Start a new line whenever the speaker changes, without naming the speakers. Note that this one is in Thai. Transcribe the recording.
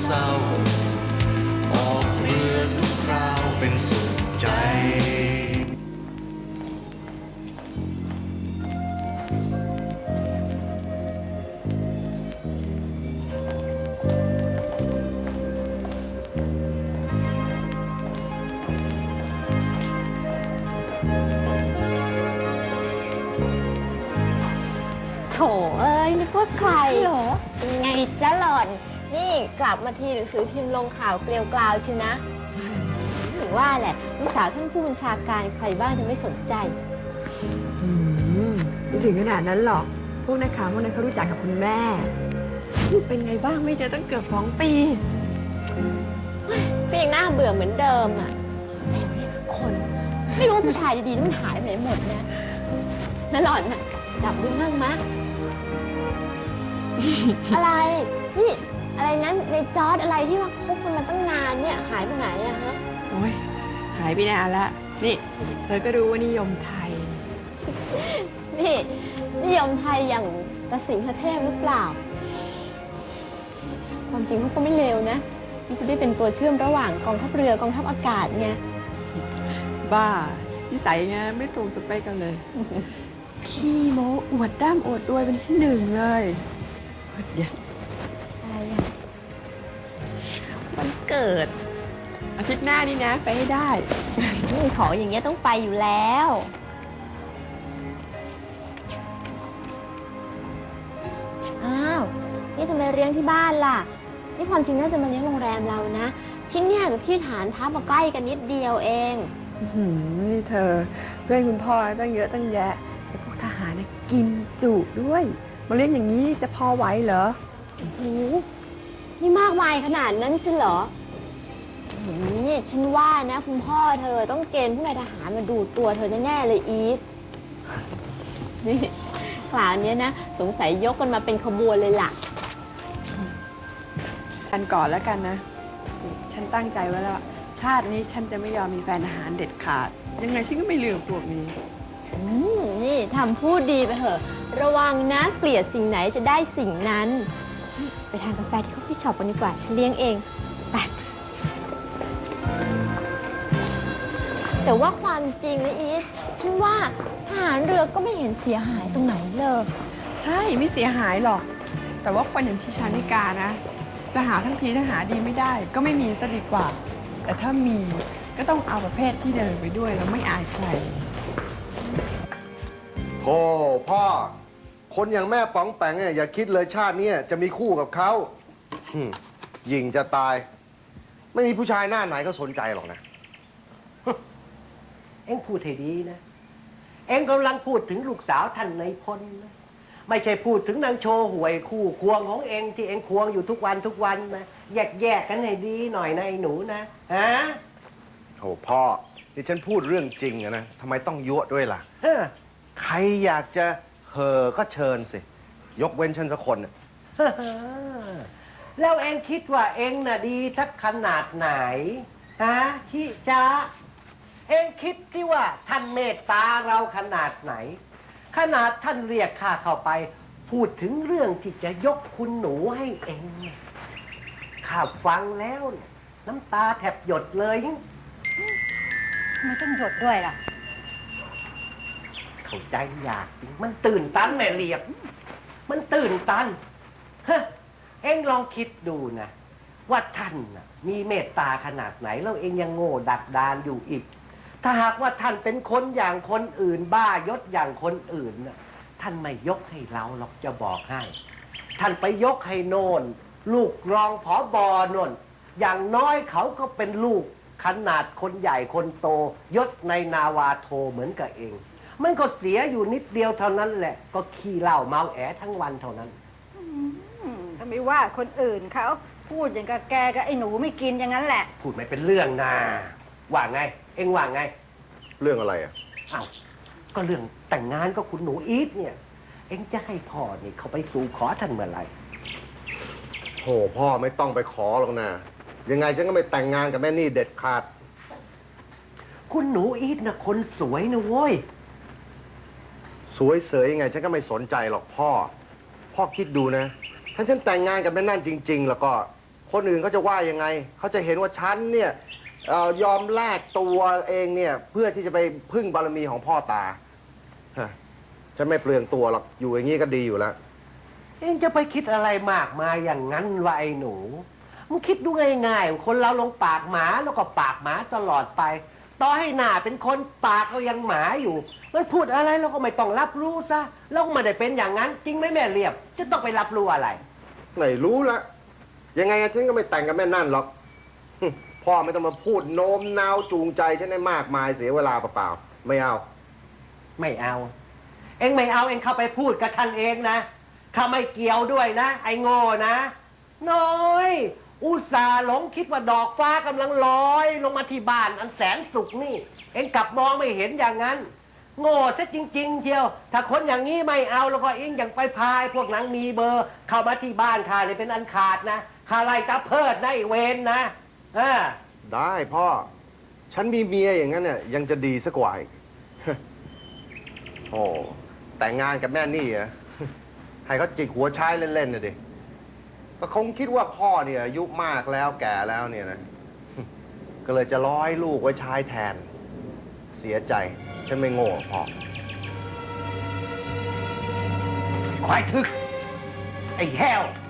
เศร้าออกเรือทุกคราวเป็นสุขใจ
โถเอ้ยนึกว่าใครเหรอไงจ้าหล่อนนี่กลับมาทีหนังสือพิมพ์ลงข่าวเกลียวกลาวชินะถึงว่าแหละลูกสาวท่านผู้บัญชาการใครบ้างจะไม่สนใจ
ไม่ถึงขนาดนั้นหรอกพวกนักข่าวพวกนั้นเขารู้จักกับคุณแม่เป็นไงบ้างไม่เจอตั้งเกือบ2 ปี
ก็ยังน่าเบื่อเหมือนเดิมอ่ะไม่ได้สักคนไม่รู้ว่าผู้ชายดีๆมันหายไปไหนหมดเนี่ยแล้วหล่อนน่ะจับดูมั่งมะ อะไรนี่อะไรนั้นในจอร์ดอะไรที่ว่าคบกันมาตั้งนานเนี่ยหายไปไหนอะฮะ
โอ้ยหายไปนานละนี่เธอก็รู้ว่านิยมไทย
นี่นิยมไทยอย่างตะสิงห์เทพหรือเปล่าความจริงเขาก็ไม่เลวนะที่จะได้เป็นตัวเชื่อมระหว่างกองทัพเรือกองทัพอากาศไง
บ้านิสัยไงไม่ตรงสเปคกันเลยขี้โม้อวดด้ามอวดรวยเป็นที่หนึ่งเลยเดี๋ยว
อะไรอ่ะ
วันเกิดอาทิตย์หน้านี่นะไปให้ได้
ของอย่างเงี้ยต้องไปอยู่แล้วอ้าวนี่ทำไมเลี้ยงที่บ้านล่ะนี่ความจริงน่าจะมาเลี้ยงโรงแรมเรานะที่เนี่ยกับที่ฐานทัพมาใกล้กันนิดเดียวเอง
นี่เธอเพื่อนคุณพ่อตั้งเยอะตั้งแยะแต่พวกทหารเนี่ยกินจุด้วยมาเลี้ยงอย่างนี้จะพอไหวเหรอ
โอ้โหนี่มากมายขนาดนั้นใช่เหรอนี่ฉันว่านะคุณพ่อเธอต้องเกณฑ์ผู้นายทหารมาดูตัวเธอแน่ๆเลยอีฟนี่คราวนี้นะสงสัยยกกันมาเป็นขบวนเลยล่ะ
กันก่อนแล้วกันนะฉันตั้งใจไว้แล้วชาตินี้ฉันจะไม่ยอมมีแฟนอาหารเด็ดขาดยังไงฉันก็ไม่ลืมพวกนี้
นี่ทำพูดดีไปเถอะระวังนะเกลียดสิ่งไหนจะได้สิ่งนั้นไปทานกาแฟที่คอฟฟี่ช็อปกันดีกว่าฉันเลี้ยงเองไปแต่ว่าความจริงนะอีทฉันว่าทหารเรือก็ไม่เห็นเสียหายตรงไหนเลย
ใช่ไม่เสียหายหรอกแต่ว่าคนอย่างพี่ชานิกานะจะหาทั้งทีถ้าหาดีไม่ได้ก็ไม่มีซะดีกว่าแต่ถ้ามีก็ต้องเอาประเภทที่เดินไปด้วยแล้วไม่อายใคร
โธ่พ่อคนอย่างแม่ป๋องแปงเนี่ยอย่าคิดเลยชาตินี้จะมีคู่กับเขาหญิงจะตายไม่มีผู้ชายหน้าไหนก็สนใจหรอกนะ
เอ็งพูดให้ดีนะเอ็งกำลังพูดถึงลูกสาวท่านนายพลนะไม่ใช่พูดถึงนางโชว์หวยคู่ควงของเอ็งที่เอ็งควงอยู่ทุกวันนะแยกกันให้ดีหน่อยนะไอ้หนูนะฮะ
โธ่พ่อนี่ฉันพูดเรื่องจริงนะทำไมต้องยั่วด้วยล่ะใครอยากจะเห่อก็เชิญสิยกเว้นฉันสักคน
แล้วเอ็งคิดว่าเอ็งน่ะดีทักขนาดไหนฮะชิจ๊ะเอ็งคิดที่ว่าท่านเมตตาเราขนาดไหนขนาดท่านเรียกข้าเข้าไปพูดถึงเรื่องที่จะยกคุณหนูให้เอ็งข้าฟังแล้วน้ำตาแทบหยดเลย
ไม่ต้องหยดด้วยล่ะ
เข้าใจยากจริงมันตื่นตันแม่เรียบมันตื่นตันเอ็งลองคิดดูนะว่าท่านมีเมตตาขนาดไหนแล้วเอ็งยังโง่ดักดานอยู่อีกถ้าหากว่าท่านเป็นคนอย่างคนอื่นบ้ายศอย่างคนอื่นนะท่านไม่ยกให้เราหรอกจะบอกให้ท่านไปยกให้โน่นลูกรองผบ.โน่นอย่างน้อยเขาก็เป็นลูกขนาดคนใหญ่คนโตยศในนาวาโทเหมือนกับเองมันก็เสียอยู่นิดเดียวเท่านั้นแหละก็ขี้เหล้าเมาแอทั้งวันเท่านั้น
ถ้าไม่ว่าคนอื่นเขาพูดอย่างกับแกกับไอ้หนูไม่กินอย่างนั้นแหละ
พูดไม่เป็นเรื่องนะว่าไงเอ็งว่าไง
เรื่องอะไรอ่ะ
อ้าวก็เรื่องแต่งงานก็คุณหนูอีทเนี่ยเอ็งจะให้พ่อนี่เขาไปสู่ขอท่านเมื่อไหร่
โธ่พ่อไม่ต้องไปขอหรอกนะยังไงฉันก็ไม่แต่งงานกับแม่นี่เด็ดขาด
คุณหนูอีทนะคนสวยนะโว้ย
สวยเสยยังไงฉันก็ไม่สนใจหรอกพ่อคิดดูนะถ้าฉันแต่งงานกับแม่นั่นจริงๆแล้วก็คนอื่นเขาจะว่ายังไง เขาจะเห็นว่าฉันเนี่ยยอมแลกตัวเองเนี่ยเพื่อที่จะไปพึ่งบารมีของพ่อตาฮะฉันไม่เปลืองตัวหรอก อยู่อย่างนี้ก็ดีอยู่แล้ว
เองจะไปคิดอะไรมากมายอย่างนั้นวะไอ้หนูมึงคิดดูง่ายๆคนเราลงปากหมาแล้วก็ปากหมาตลอดไป ต่อให้หน้าเป็นคนปากก็ยังหมาอยู่ มันพูดอะไรเราก็ไม่ต้องรับรู้ซะเราก็ไม่ได้เป็นอย่างนั้น จริงไหมแม่เรียบ จะต้องไปรับรู้อะไร
ไม่รู้ละยังไงฉันก็ไม่แต่งกับแม่นั่นหรอก พ่อไม่ต้องมาพูดโน้มน้าวจูงใจฉันให้มากมายเสียเวลาเปล่าๆไม่เอา
ไม่เอา เองไม่เอาเองเข้าไปพูดกับท่านเองนะข้าไม่เกี่ยวด้วยนะ ไอ้โง่นะน้อยอุตส่าห์หลงคิดว่าดอกฟ้ากำลังลอยลงมาที่บ้านอันแสนสุขนี่ เองกลับมองไม่เห็นอย่างนั้น โง่ซะจริงๆเชียวถ้าคนอย่างนี้ไม่เอาแล้วก็เองอย่างไปพายพวกหนังมีเบอร์ เข้ามาที่บ้านข้าเลยเป็นอันขาดนะข้าไล่ตาเพิดนะไอ้เวนนะ
ได้พ่อ ฉันมีเมียอย่างนั้นเนี่ยยังจะดีสักกว่าอีก โอ้แต่งงานกับแม่นี่เหรอ ให้เขาจิกหัวใช้เล่นๆน่ะดิก็คงคิดว่าพ่อเนี่ยอายุมากแล้วแก่แล้วเนี่ยนะ ก็เลยจะร้อยลูกไว้ใช้แทน เสียใจ ฉันไม่โง่พ่อ
ควายทึก ไอ้แห้ว